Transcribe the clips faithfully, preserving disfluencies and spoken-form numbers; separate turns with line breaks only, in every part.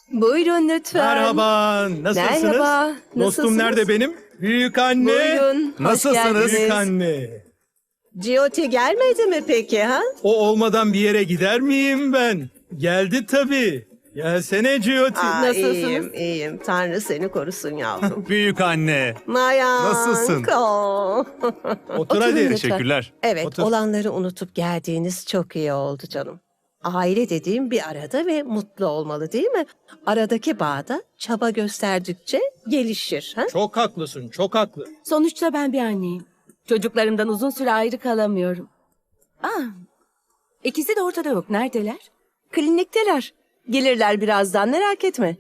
Buyurun lütfen.
Merhaba, nasılsınız?
Merhaba,
Dostum
nasılsınız?
nerede benim? Büyük anne.
Buyurun. hoş
Nasılsınız?
Büyük
geldiniz.
anne.
Giotti gelmedi mi peki ha?
O olmadan bir yere gider miyim ben? Geldi tabii. Gelsene Giotti.
Aa,
Nasılsınız?
İyiyim, iyiyim. Tanrı seni korusun yavrum.
Büyük anne.
Mayanko.
Nasılsın?
Otur
Oturun
hadi.
lütfen.
Teşekkürler.
Evet,
Otur.
olanları unutup geldiğiniz çok iyi oldu canım. Aile dediğim bir arada ve mutlu olmalı değil mi? Aradaki bağda çaba gösterdikçe gelişir. Ha?
Çok haklısın, çok haklı.
Sonuçta ben bir anneyim. Çocuklarımdan uzun süre ayrı kalamıyorum. Ah, ikisi de ortada yok. Neredeler?
Klinikteler. Gelirler birazdan, merak etme.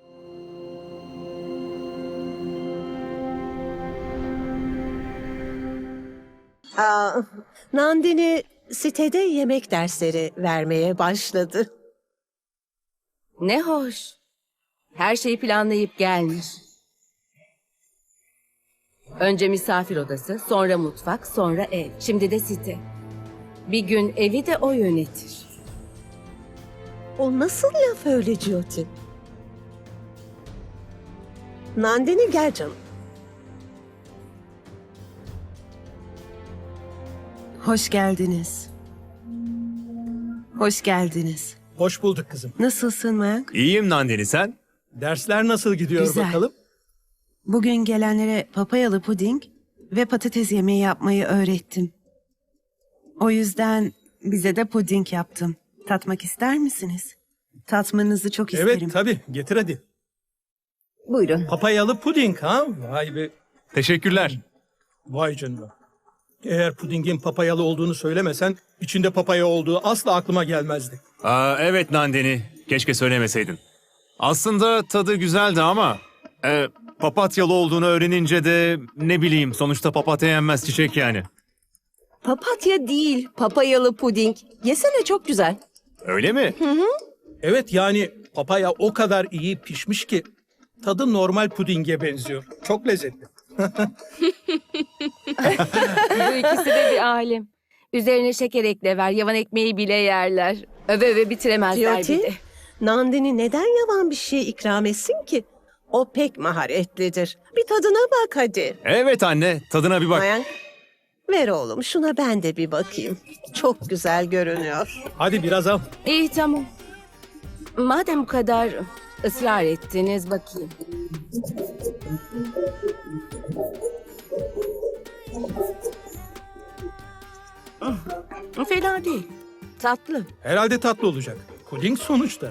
Aa, Nandini sitede yemek dersleri vermeye başladı.
Ne hoş. Her şeyi planlayıp gelmiş. Önce misafir odası, sonra mutfak, sonra ev. Şimdi de site. Bir gün evi de o yönetir.
O nasıl laf öyle Giotti? Nandini gel canım.
Hoş geldiniz. Hoş geldiniz.
Hoş bulduk kızım.
Nasılsın Mayank?
İyiyim Nandini, sen?
Dersler nasıl gidiyor
Güzel.
bakalım?
Bugün gelenlere papayalı puding ve patates yemeği yapmayı öğrettim. O yüzden bize de puding yaptım. Tatmak ister misiniz? Tatmanızı çok isterim.
Evet tabii, getir hadi.
Buyurun.
Papayalı puding ha? Vay be,
Teşekkürler.
vay canına. Eğer pudingin papayalı olduğunu söylemesen, içinde papaya olduğu asla aklıma gelmezdi.
Aa, evet Nandini, keşke söylemeseydin. Aslında tadı güzeldi ama... E, papatyalı olduğunu öğrenince de ne bileyim sonuçta papatya yenmez çiçek yani.
Papatya değil, papayalı puding. Yesene, çok güzel.
Öyle mi?
Evet yani papaya o kadar iyi pişmiş ki tadı normal pudinge benziyor. Çok lezzetli.
Bu ikisi de bir alem. Üzerine şeker ekle ver, yavan ekmeği bile yerler. Öve öve bitiremezler bir de.
Giotti, Nandini neden yavan bir şey ikram etsin ki? O pek maharetlidir. Bir tadına bak hadi.
Evet anne, tadına bir bak.
Mayank, ver oğlum şuna ben de bir bakayım. Çok güzel görünüyor.
Hadi biraz al.
İyi tamam. Madem bu kadar ısrar ettiniz bakayım. Hmm, Fena değil. Tatlı.
Herhalde tatlı olacak. Puding sonuçta.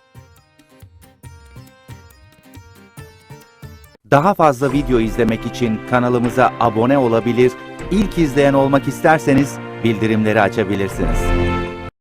Daha fazla video izlemek için kanalımıza abone olabilir, ilk izleyen olmak isterseniz bildirimleri açabilirsiniz.